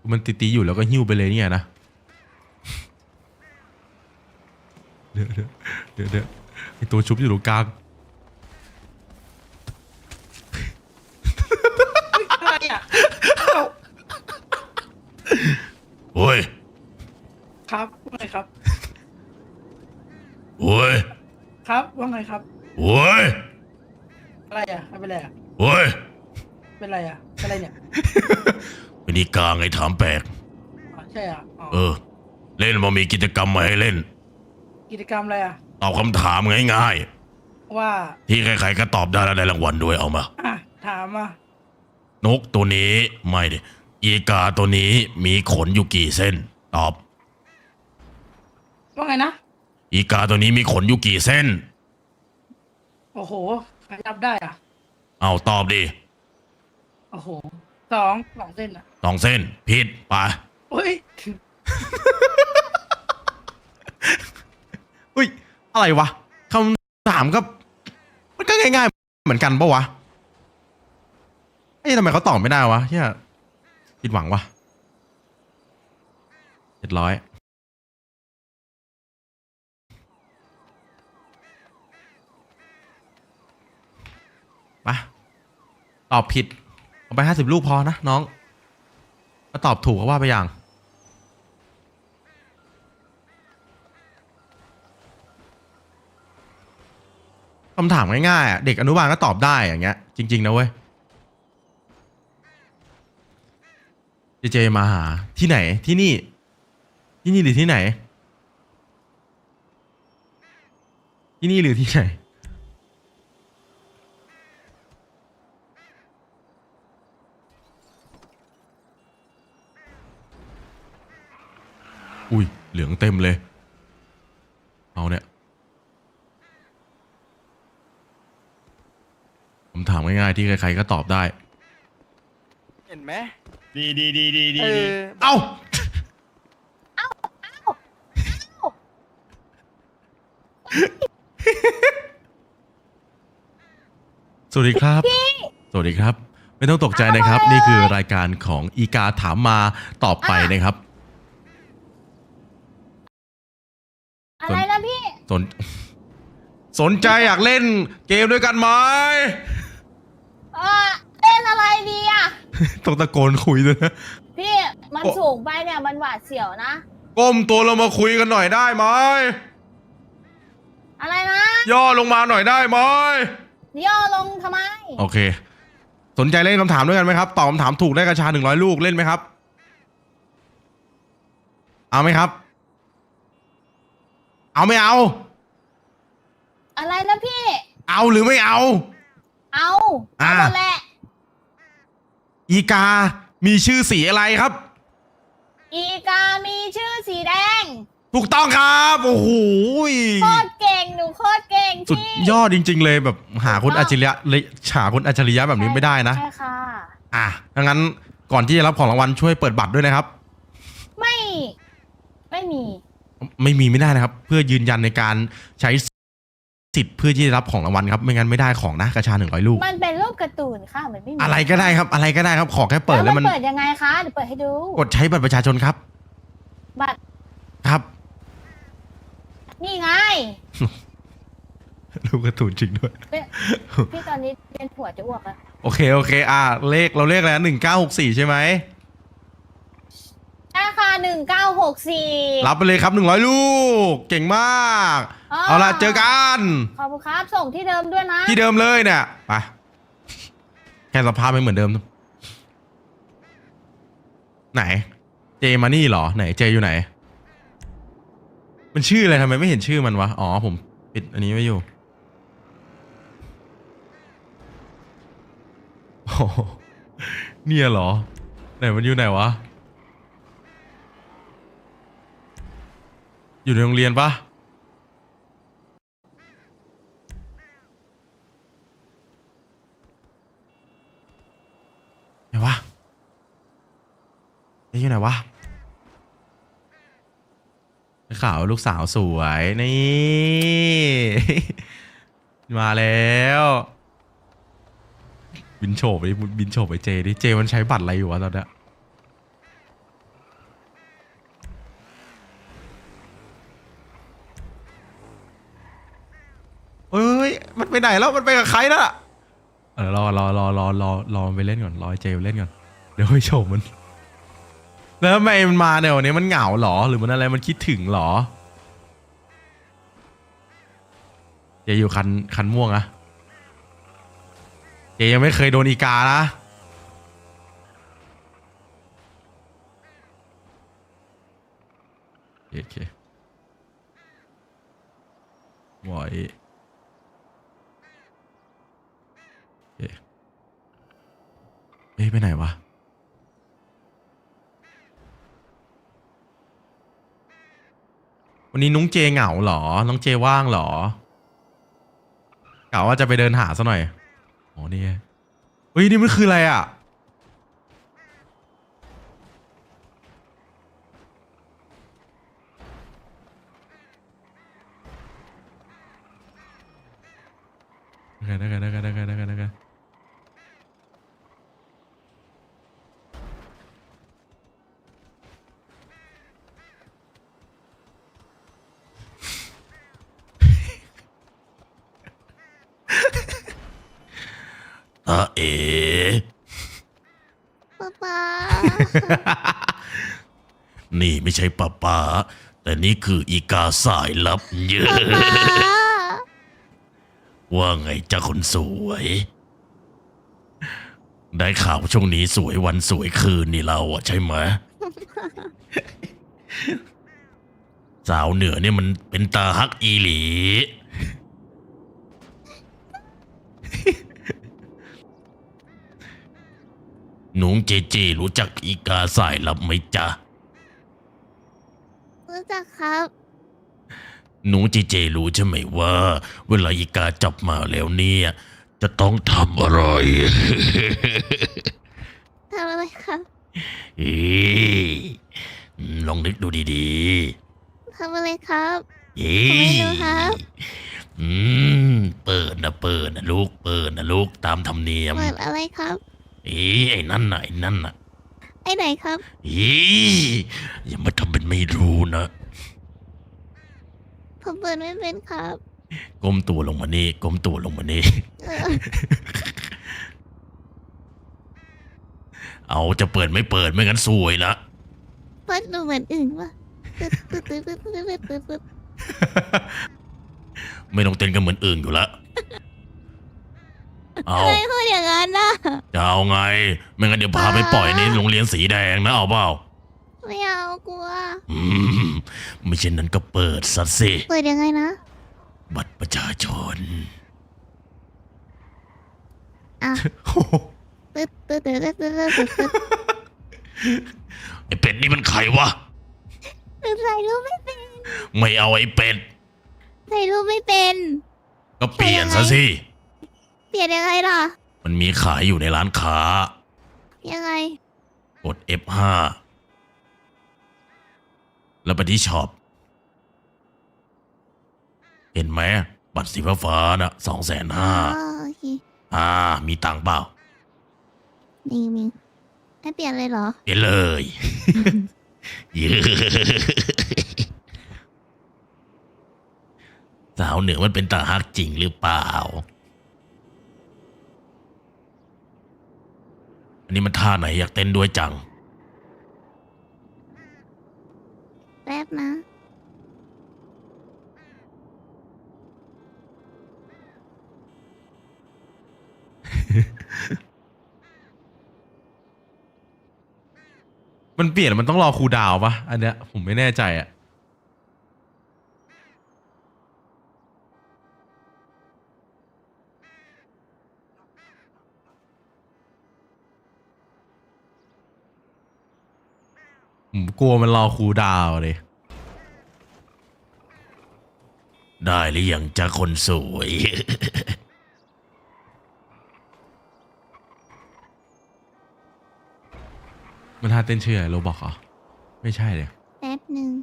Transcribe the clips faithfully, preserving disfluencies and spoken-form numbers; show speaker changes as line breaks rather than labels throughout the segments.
มันตีๆอยู่แล้วก็หิ้วไปเลยเนี่ยนะเดี๋ยวเดี๋ยวเดี๋ยวเดี๋ยวไอตัวชุบอยู่ตรงกลาง
อะไรอ่ะ
โอ้ย
ครับว่าไงครับ
โอ้ย
ครับว่าไงครับ
โอ้ย
อะไรอ่ะไม่เป็นไรอ่ะ
โอ้ย
เป็นไรอ่ะเป็นไรเนี่ย
เป็นอีกาไงถามแปลก
อ๋อใช่อ่ะอ๋อ
เออ เล่นมามีกิจกรรมมาให้เล่น
กิจกรรมอะไรอ่ะ
ตอบคำถามง่าย
ว่า
ๆที่ใครๆก็ตอบได้แล้วได้รางวัลด้วยเอามา
อ่ะถามอ่ะ
นกตัวนี้ไม่ดิอีกาตัวนี้มีขนอยู่กี่เส้น ตอบ
ว่าไงนะ
อีกาตัวนี้มีขนอยู่กี่เส้น
โอ้โหใครนับได้อ่ะ
เอาตอบดิ
โอ้โหสองสองเส้นอ่ะ
สองเส้นผิดไป
เฮ้ย
อุ้ยอะไรวะคำถามก็มันก็ง่ายๆเหมือนกันปะวะเอ้ยทำไมเขาตอบไม่ได้วะเฮียผิดหวังวะเจ็ดร้อยไปตอบผิดเอาไปห้าสิบลูกพอนะน้องถ้าตอบถูกก็ว่าไปอย่างคำถามง่ายๆอ่ะเด็กอนุบาลก็ตอบได้อย่างเงี้ยจริงๆนะเว้ยเจเจมาหาที่ไหนที่นี่ที่นี่หรือที่ไหนที่นี่หรือที่ไหนอุ้ยเหลืองเต็มเลยเอาเนี่ยคำถามง่ายๆที่ใครๆก็ตอบได้
เห็นไหม
ดีดีดีดีดี
เออ
เอ้า สวัสดีครับ สวัสดีครับ ไม่ต้องตกใจนะครับ นี่คือรายการของอีกาถามมาตอบไปนะครับ
อะไรนะพี่
สน สนใจอยากเล่นเกมด้วยกันไหม
เออเล่นอะไรดีอ่ะ
ต้องตะโกนคุยด้วยนะ
พี่มัน
โอ้
สูงไปเนี่ยมันหวาดเสียวนะ
ก้มตัวลงมาคุยกันหน่อยได้ไหม
อะไรนะ
ย่อลงมาหน่อยได้ไหม
ย่อลงทำไม
โอเค สนใจเล่นคำถามด้วยกันไหมครับตอบคำถามถูกได้กระชาหนึ่งร้อยลูกเล่นไหมครับ เอาไหมครับ เอาไม่เอา
อะไรนะพี่
เอาหรือไม่เอา
เอา
อ่า
เอาหมดแหละ
อีกา มีชื่อสีอะไรครับ
อีกามีชื่อสีแดง
ถูกต้องครับ โอ้โห
โคตรเก่งหนูโคตรเก่ง
สุด
พี่
ยอดจริง ๆ เลยแบบหาคนอัจฉริยะเลยหาคนอัจฉริยะแบบนี้ไม่ได้นะ
ใช่ค่ะ
อ่ะดังนั้นก่อนที่จะรับของรางวัลช่วยเปิดบัตรด้วยนะครับ
ไม่ ไม่มี
ไม่มีไม่ได้นะครับ เพื่อยืนยันในการใช้สิทธิ์เพื่อที่จะรับของรางวัลครับ ไม่งั้นไม่ได้ของนะกระชาหนึ่งร้อยลูก
มันเป็นรูปการ์ตูนค่ะมันไม่มี
อะไรก็ได้ครับ อะไรก็ได้ครับ ขอแค่เปิดแล้วมัน
เปิดยังไงคะเดี๋ยวเปิดให้ดู
กดใช้บัตรประชาชนครับ
บัตร
ครับ
นี่ไง
ลูกกระตูนจริงด้วย
เป็นพี่ตอนนี้เป็นผัวจะอ้วกแล้ว
โอเคโอเค อ่ะเลขเราเลขอะไรหนึ่งเก้าหกสี่ใช่ไหม
ใช่ค่ะหนึ่งเก้าหกสี่
รับไปเลยครับหนึ่งร้อยลูก เก่งมาก
อ๋อ
เอาล่ะเจอกัน
ขอบคุณครับ ส่งที่เดิมด้วยนะ
ที่เดิมเลยเนี่ยไปแค่สภาพไม่เหมือนเดิม ไหน เจมานี่เหรอไหนเจอยู่ไหน มันชื่ออะไรทำไมไม่เห็นชื่อมันวะอ๋อผมปิดอันนี้ไว้อยู่โอ้โหเนี่ยเหรอไหนมันอยู่ไหนวะอยู่ในโรงเรียนปะไหนวะเอ๊ะอยู่ไหนวะข่าวลูกสาวสวยนี่ มาแล้วบินโฉบไปบินโฉบไปเจดิเจมันใช้บัตรอะไรอยู่วะตอนเนี้ยไหนแล้วมันไปกับใครน่ะเออรอรอรอรอรอรอมันไปเล่นก่อนรอไอ้เจไปเล่นก่อนเดี๋ยวไปโฉมมันแล้วทำไมมันมาเนี่ยวันนี้มันเหงาหรอหรือมันอะไรมันคิดถึงหรอเจอยู่คันคันม่วงอะเจยังไม่เคยโดนอีกานะโอเคไหวเอ๊ะเอ๊ะไปไหนวะวันนี้นุ้งเจเหงาเหรอน้องเจว่างเหรอกะว่าจะไปเดินหาซะหน่อยอ๋อนี่ไงเฮ้ยนี่มันคืออะไรอ่ะได้กันได้กันได้กันได้กันได้กันอ่ะเอ๋
ป๊าป๊า
นี่ไม่ใช่ป้าป้าแต่นี่คืออีกาสายลับเยอะ
ป๊า
ว่าไงจ้าคนสวย ได้ข่าวช่วงนี้สวยวันสวยคืนนี่เราอะใช่ไหม สาวเหนือเนี่ยมันเป็นตาฮักอีหลี หนุ่งเจเจรู้จักอีกาสายลับไหมจ๊ะ
รู้จักครับ
หนูเจเจรู้ใช่ไหมว่า เวลาอีกาจับมาแล้วเนี่ย จะต้องทำอะไร
ทำอะไรครับ
เอ๊ะลองนึกดูดี
ทำอะไรครับ
ๆเอ๊
ผมไม่
ะ
รู้ครับ
อืมเปิดนะเปิดนะลูกเปิดนะลูกตามธรรมเนียม
เปิดอะไรครับ
เอ๊ะไอ้นั่นน่ะไอ้นั่นน่ะ
ไอ้ไหนครับ
เอ๊ะอย่ามาทำเป็นไม่รู้นะ
ผมเปิดไม่เป็นครับ
ก้มตัวลงมานี่ก้มตัวลงมานี่
เออ
เอาจะเปิดไม่เปิดไม่งั้นซวยนะ
เปิดดูเหมือนอื่นวะตึ๊ดตึ๊ดตึ๊ดตึ๊ดตึ๊ดตึ๊ดตึ๊ดตึ๊ด
ไม่ต้องเต้นกันเหมือนอื่นอยู่ละเอา
ทำไมพูดอย่างนั้นน่ะ
จะเอาไง ไม่งั้นเดี๋ยวพาไปปล่อยในโรงเรียนสีแดงนะเอาเปล่า
ไม่เอากลัว
อืมไม่เช่นนั้นก็เปิดซะสิ
เปิดยังไงนะ
บัตรประชาชน
อ่ะตึ๊ดตึ๊ดตึ๊ดตึ๊ดตึ๊ดตึ๊ดตึ๊ด
ไอเป็ดนี่มันใครวะ
ตึ๊ดใส่รูปไม่เป็น
ไม่เอาไอเป็ด
ใส่รูปไม่เป็น
ก็เปลี่ยนซะสิ
เปลี่ยนยังไงล่ะ
มันมีขายอยู่ในร้านค้า
ยังไง
กด เอฟ ห้า แล้วไปที่ช็อป เห็นไหมบัตรสีฟ้าๆน่ะสองแสน
อ๋อ
ห้า
โอเค
อ่า มีตังค์เปล่า
มีมีให้เปลี่ยนเลยเหรอ
เปลี่ยนเลย เย้สาวเหนือมันเป็นตาฮักจริงหรือเปล่า อันนี้มันท่าไหนอยากเต้นด้วยจัง
แป๊บนะ
มันเปลี่ยนมันต้องรอครูดาวปะอันเนี้ยผมไม่แน่ใจอะ ผมกลัวมันรอครูดาวเลย ได้หรือยังจ้าคนสวย มันท่าเต้นชื่ออะไรโรบอกเหรอ ไม่ใช่เลย
แป๊บหนึ่ง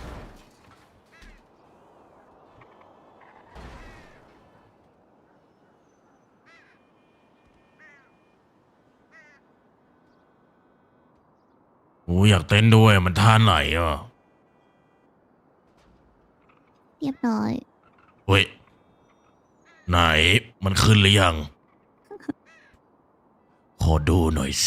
โอ้อยากเต้นด้วยมันท่าไหนอ่ะ
เรียบร้อย
เฮ้ยไหนมันขึ้นหรือยัง ขอดูหน่อยสิ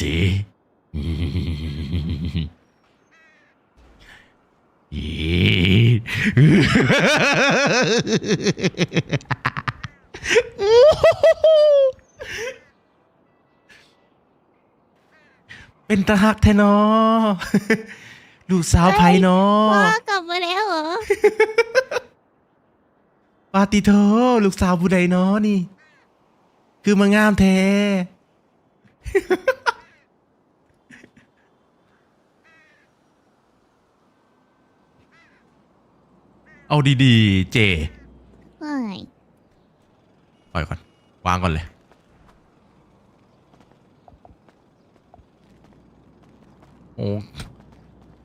เป็นตาหักแท้เนอ ลูกสาวไผ่เนอ
พ่อกลับมาแล้วเหรอ
ปาติโทลูกสาวผู้ใดเนอนี่ คือมางามแท้ เอาดีๆ เจ
ไม่
ปล่อยก่อน วางก่อนเลย โอ้